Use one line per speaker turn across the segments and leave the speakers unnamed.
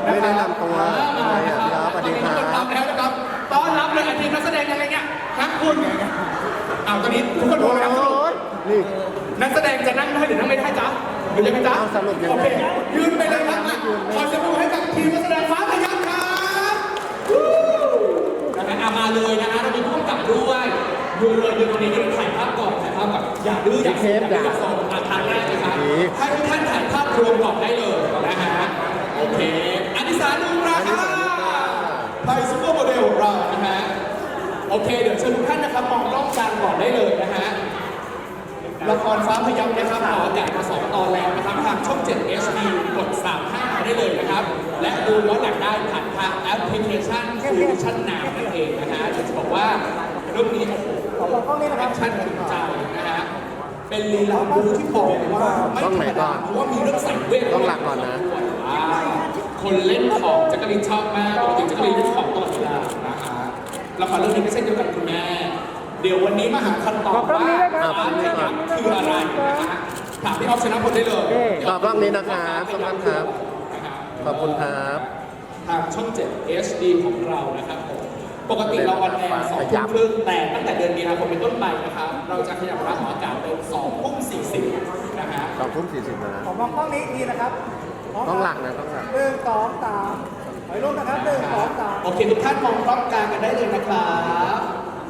ไม่ได้นำตัวอะไรอ่ะครับสวัสดีครับ
ต้อนรับแล้วนะครับต้อนรับเลยทีมนักแสดงยังไงเนี่ยครับคุณอ้าวตอนนี้ทุกคนรู้แล้วสรุป
นี่
นักแสดงจะนั่งได้หรือนั่งไม่ได้จ๊ะหรือยังไงจ๊ะ
เอาสรุปยังไง
โอเคยืนไปเลยครับอ่ะขอเสียงปรบมือให้กับทีมนักแสดงฟ้าพยัคฆ์ครับวู้นะฮะอ่ะมาเลยนะฮะเรามีผู้กำกับด้วยยืนเลยยืนตรงนี้ยืนถ่ายภาพก่อนถ่ายภาพก่อนอย่าดื้ออย่าเซฟอย่าโซนทางแรกเลยครับให้ทุกท่านถ่ายภาพรวมก่อนได้เลยนะฮะโอเคอนิสาดูราคาไทยซูเปอร์โมเดลของเรานะฮะโอเคเดี๋ยวเชิญทุกท่านนะครับมองกล้องกลางก่อนได้เลยนะฮะละครฟ้าพยัคฆ์นะครับออกอากาศมา2 ตอนแล้วนะครับทางช่อง 7 HD กด 35 ได้เลยนะครับและดูย้อนหลังได้ผ่านทางแอปพลิเคชันคือวิชั่นนาวนั่นเองนะฮะจะบอกว่าเรื่องนี้โอ้โห
ขอบอกกล้องนี้นะครับ
แอคชั่นถึงใจนะฮะเป็นลีลาบูที่บอกเลยว่าไม่ธรรมดาเพราะว่ามีเรื่องสังเวช
ต้องหลักก่อนนะ
คนเล่นของแจักรีนชอบมากปกติแจักรีนเล่นของตลอดเวลานะคะละครเรื่องนี้ก็เช่นเดียวกันคุณแม่เดี๋ยววันนี้มาหาคำตอบว่าฟ้าพยัคฆ์คืออะไรนะฮะถามพี่ออฟชนะพลได้เลย
ขอบกล้องนี้นะครับขอบคุณครับ ขอบคุณครับ
ทางช่อง 7 HD ของเรานะครับผมปกติเราออนแอร์2 ทุ่มครึ่งแต่ตั้งแต่เดือนมีนาคมเป็นต้นไปนะครับเราจะขยับเวลาของอากาศเป็น2 ทุ่ม 40นะฮะ
2:40นะ
ขอบอกกล้องนี้อีกทีนะครับพร้ม
ต้องหลักนะต้องหลัก
1 2 3ถอยลงนะครับ1 2 3
โอเคทุกท่านมองกล้องกลางกันได้เลยนะครับ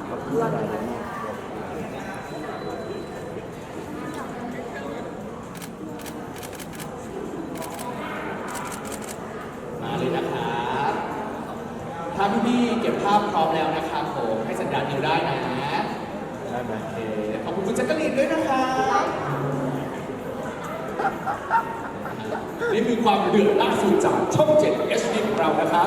มาเลยนะครับถ้าพี่ๆเก็บภาพพร้อมแล้วนะครับผมให้สัญญาณนิ้วได้นะได้ไหมโอเคขอบคุณคุณแจ็คกะลีนด้วยนะครับนี่คือความเดือดล่าสุดจากช่อง 7 HD ของเรานะครับ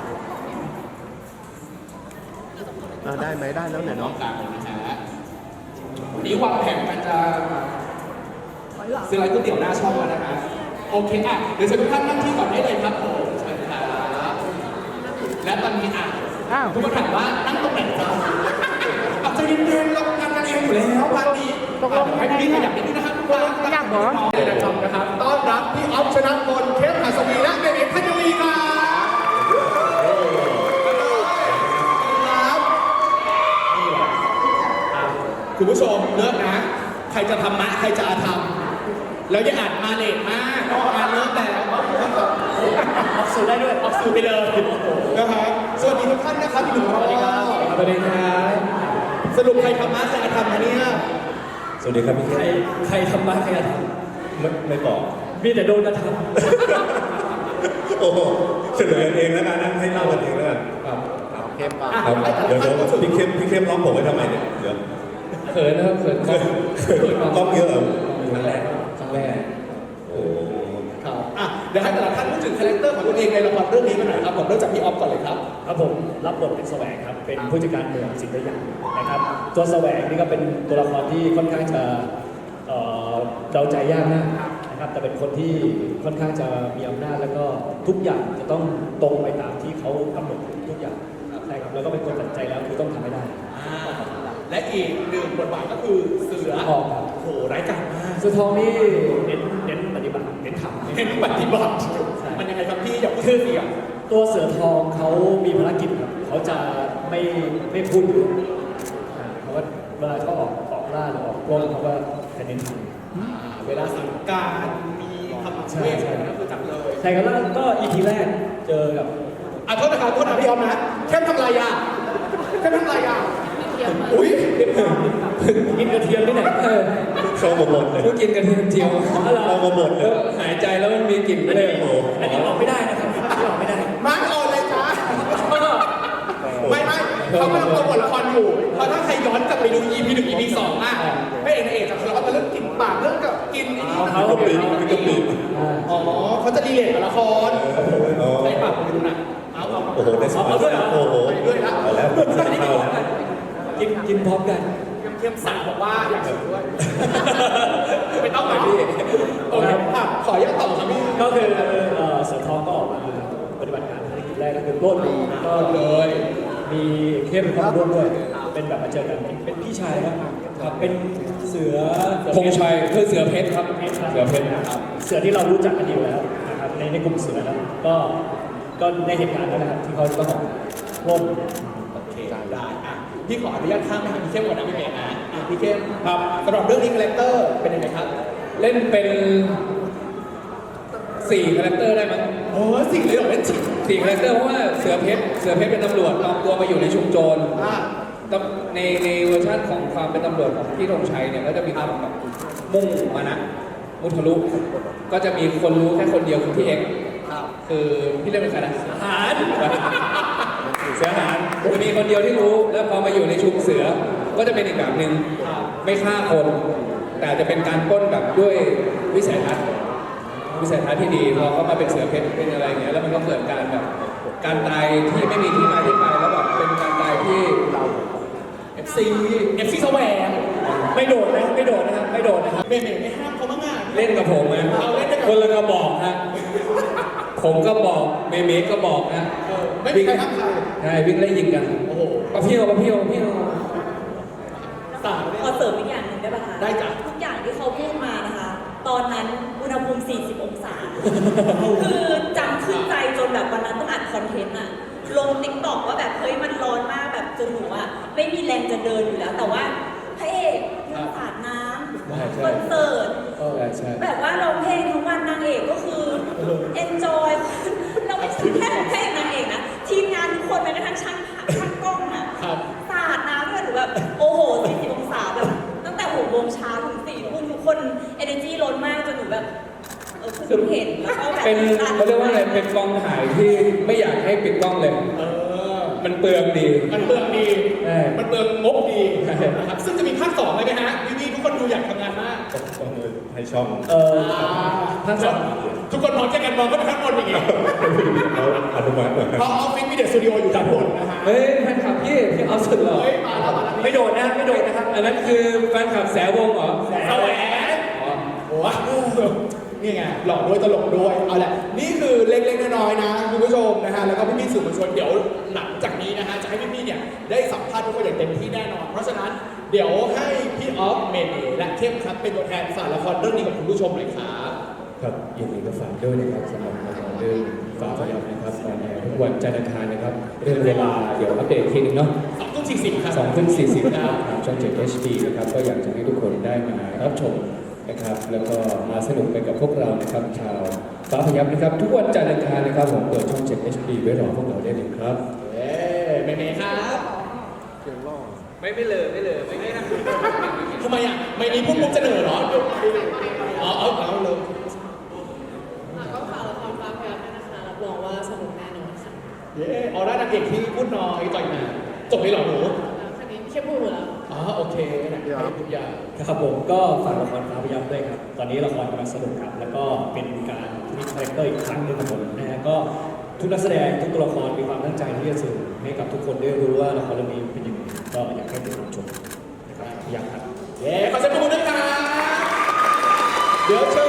ได้ไหมได้แล้วเนี่ย
น้อ
เนาะ
งกลางเลยนะฮะวันนี้วางแผนกันจะซื้ออะไรก๋วยเตี๋ยวหน้าช่องแล้วนะฮะโอเคอ่ะเดี๋ยวเชิญทุกท่านนั่งที่ก่อนได้เลยครับผมเชิญครับและตอนนี้อ่ะทุกคนถามว่านั่งตรงไหนจ๊ะเอาใจเย็นๆเราทำกันเองอยู่แล้วพาร์ทนี้ให้พี่ขยับนิดนึงนะครับทุกท่านอยากบอกเลยนะครับต้อนรับพี่ออฟชนะพลเคสหัสวีและเบเบพัชรีครับคุณผู้ชมเลิกนะ ใครจะทำมะใครจะอาธรรมแล้วอย่าอ่านมาเลทมากงานเลิกแล้วออกสื่อได้ด้วยออกสื่อไปเลยนะครับสวัสดีทุกท่านนะครับพี่หนุ่มสวัสดีครับสวัสดีครับสรุปใครทำมะใครอาธรรมนะเนี่ย
สวัสดีครับพี่เค
ใครทำมาใครจะท
ไม่บอก
ำมีแต่โดนกระท
โอ้โหเฉลยกันเองแล้วกันนะให้เล่ากันเองแล้วกัน
เข้มป่ะ
ครับเดี๋ยวพี่เข้มร้องผมไว้ทำไมเนี่ยเดี๋ยว
ำเขินนะครับเขินกล้อง
ต้องเยอะเหรอ
ครั้งแรกครั้งแรก
โอ้
ครับอ่ะเดี๋ยวให้แต่ละท่านพูดถึงคาแรคเตอร์ของตัวเองในละครเรื่องนี้กันหน่อยครับผมเริ่มจากพี่ออฟก่อนเลยครับ
ครับผมรับบทเป็นแสวงครับเป็นผู้จัดการเมืองสิทธิ์ได้ยังนะครับตัวแสวงนี่ก็เป็นตัวละครที่ค่อนข้างจะเดาใจยากมากนะครับแต่เป็นคนที่ค่อนข้างจะมีอำนาจแล้วก็ทุกอย่างจะต้องตรงไปตามที่เขากำหนดทุกอย่างใช่ครับแล้วก็เป็นคนตัดใจแล้วคือต้องทำให้ได้
และอีกหนึ่งบทบาทก็คือเสือ
ทองครับ
โหร้ายกาจมาก
เสือทองนี่เน้นปฏิบัติเน้นทำ
เห็นปฏิบัติมันยังไงครับพี่อย่าพูดชื่อเสียง
ตัวเสือทองเขามีภารกิจครับเขาจะไม่พูดเยอะเขาก็เวลาเขาออกล่าหรือออกปล้นเขาก็จะเน้นท
เวลาสั่งการมีคำเวทก็คือจับเลย
ำใช่ครับแล้วก็อีพีแรกเจอกับ
อ่ะโทษนะครับโทษนะพี่ออมนะเข้มทำลายยาเข้มทำลายยาอุ้ย
กินกระเทียมที่ไหน
เข้ามาหมดเลย
ก็กินกระเทียมเจียว
เข้ามาหมดเลย
หายใจแล้วมันมีกลิ่นไม่ได้โอ้อันนี้ออกไม่ได้นะครับออกไม่ได้
มาร์กออนเลยจ้าไม่เขากำลังโปรโมทละครอยู่เพราะถ้าใครย้อนกลับไปดู EP 1 EP 2อ่ะพระเอกนางเอกจะทะเลาะกันเรื่องกลิ่นปากเรื่องกับกินไอ้นี่
เขา
กะปิกะปิ
อ๋อเขาจะดีเลทกับละครใช้ปากคุณดูนะเอา
โอ้โหในสมัยโอ้โห
ไปด้วยนะ
เอาแล้วเข้าแล้ว
กินพร้อมกัน
เทียมสาวบอกว่าอยากชิมด้วยไม่ต้องหรอกโอเคอ่ะขออนุญาตต่อครับพี่
ก็คือเสือทองก็ออกมาปฏิบัติการภารกิจแรกก็คือปล้นก็
เลย
มีเข้มเข้ามาร่วมด้วยเป็นแบบมาเจอกันเป็นพี่ชายนะครับเป็นเสือ
ธงชัยคือเสือเพชรครับ
เสือเพชรนะครับเสือที่เรารู้จักกันอยู่แล้วนะครับในกลุ่มเสือแล้วก็ก็ในเหตุการณ์นั้นนะครับที่เขาต้องปล้น
โอเคได้อ่ะพี่ขออนุญาตข้ามไปทางพี่เข้มก่อนนะพี่เมย์นะพี่เข้มครับสำหรับเรื่องนี้คาแรคเตอร์เป็นยังไงครับ
เล่นเป็น4 คาแรคเตอร์ได้มั้ง
โอ้สิ่งเลยเหรอเล่นจริง
4 คาแรคเตอร์เพราะว่าเสือเพชรเป็นตำรวจปลอมตัวมาอยู่ในชุมโจร
อ่า
ในเวอร์ชันของความเป็นตำรวจของพี่ธงชัยเนี่ยก็จะมีความแบบมุ่งมานะมุทะลุก็จะมีคนรู้แค่คนเดียวคือพี่เอ็กซ์
ครับ
คือพี่เล่นเป็นใครนะ
หาร
เสือหารจะมีคนเดียวที่รู้แล้วพอมาอยู่ในชุมเสือก็จะเป็นอีกแบบหนึ่งไม่ฆ่าคน แต่จะเป็นการปล้นแบบด้วยวิสัยทัศน์ที่ดีพอเขามาเป็นเสือเพชรเป็นอะไรอย่างเงี้ยแล้วมันก็เกิดการแบบการตายที่ไม่มีที่มาที่ไปแล้วแบบเป็นการตายที่
FC แสวง
ไม่โดดนะครับไม่โดดนะครับ
เมย์ไม่ห้ามเขาบ้างอ่ะ
เล่นกับผมนะ
เอาเล่นด้วยกัน
คนละกระบอกฮะผมก็บอกเมย์ก็บอกนะ
ไม่มีใครห้ามใคร
ใช่วิ่งไล่ยิงกัน
โอ้โห
ปะเพียว
สาม
ขอเสริมอีกอย่างหนึ่งได้ป่ะคะ
ได้จ้ะ
ทุกอย่างที่เขาพูดมานะคะ ตอนนั้นอุณหภูมิ 40 องศา คือจำขึ้นใจจนแบบวันนั้นต้องอัดคอนเทนต์อะลงติ๊กต็อกว่าแบบเฮ้ยมันร้อนมากแบบจนหนูอะไม่มีแรงจะเดินอยู่แล้ว แต่ว่าพระเอกยังสาดน้ำคอนเสิร์ต
ใช่
แบบว่าเราเพลงทั้งวันนางเอกก็คือ enjoy เราไม่ใช่แค่เพลงนางเอกนะ ทีมงานทุกคนแม้กระทั่งช่างกล้องอะ
ครับ
สาดน้ำด้วยหนูแบบโอ้โห 40 องศาแบบตั้งแต่6 โมงเช้าถึง 4 ทุ่มทุกคน energy ล้นมากจนหนูแบบเพิ่งเห็นแล้วก็แบบ
เป็นเขาเรียกว่าอะไรเป็นกองถ่ายที่ไม่อยากให้ปิดกล้องเลย
เออ
มันเปลืองดี
มันเปลืองดี
ใช่
มันเปลืองงบดี
ใช่
นะครับซึ่งจะมีภาค2เลยไหมฮะพี่ๆทุกคนดูอยากทำงานมาก
ต้องให้ช่อง
ภาคสอง
ทุกคนมองแค่กันมองก็เป็นข้างบนอย่างเงี้ย
เขาอนุมัติมา
เพราะออฟฟิศมีเดอะสตูดิโออยู่ด้านบนนะฮะ
เฮ้ยแฟนคลับพี่เอาสุดเหรอ
เฮ้ยมาแล้วมาแล้ว
ไม่โดดนะไม่โดดนะครับ
อันนั้นคือแฟนคลับแสวงเหรอ
แสวง
อ๋อ
โอ้โหนี่ไงหล่อด้วยตลกด้วยเอาแหละนี่คือเล็กๆน้อยๆนะคุณผู้ชมนะฮะแล้วก็พี่ๆสื่อมวลชนเดี๋ยวหลังจากนี้นะฮะจะให้พี่ๆเนี่ยได้สัมภาษณ์ทุกคนอย่างเต็มที่แน่นอน เพราะฉะนั้นเดี๋ยวให้พี่ออฟเมเนและเข้มครับเป็นตัวแทนฝากละครเรื่องนี้กับคุณผู้ชมหน่อยครับ
ครับยินดีก็ฝากด้วยนะครับสำหรับละครเรื่องฝากพยับนะครับออนแอร์ทุกวันจันทร์อังคารนะครับเรื่องเวลาเดี๋ยวอัปเดตทีนึงเนาะ
2:40ครับ
2:40นะครับทางช่อง 7 HD นะครับก็อยากจะให้ทุกคนได้มารับชมนะครับแล้วก็มาสนุกไปกับพวกเรานะครับชาวฟ้าพยับนะครับทุกวันจันทร์อังคารนะครับผมเปิดช่อง 7 HD ไว้รอพวกเราได้เลยครับ
เอ๊เมเมครับ
ไม่เลยไม่นะ
ทำไมอ่ะไม่มีพูดมุกจะเหนื่อยเหรออ๋อเอาเลย
ก็ฝากละครฟ้าพยับด้วยนะคะรับรองว่าสนุกแน่นอนค่ะ
เย้ออร่านางเอกที่พูดน้อยต่อยหนาจบเลยเหรอหนู
คันนี้แค่พูดหมดแล้ว
อ๋อโอเคนะให้ทุกอย่าง
ครับผมก็ฝากละครฟ้าพยับด้วยครับ ตอนนี้ละครกำลังสนุกครับ แล้วก็เป็นการพลิกคาแรคเตอร์อีกครั้งหนึงครับผมนะฮะก็ทุกนักแสดงทุกตัวละครมีความตั้งใจที่จะสื่อให้กับทุกคนได้รู้ว่าละครเรื่องนี้เป็นยังไงก็อยากให้ติดตามชมนะครับพยับครับ
เย้ขอเสียงปรบมือด้วยครับเดี๋ยวเชิญ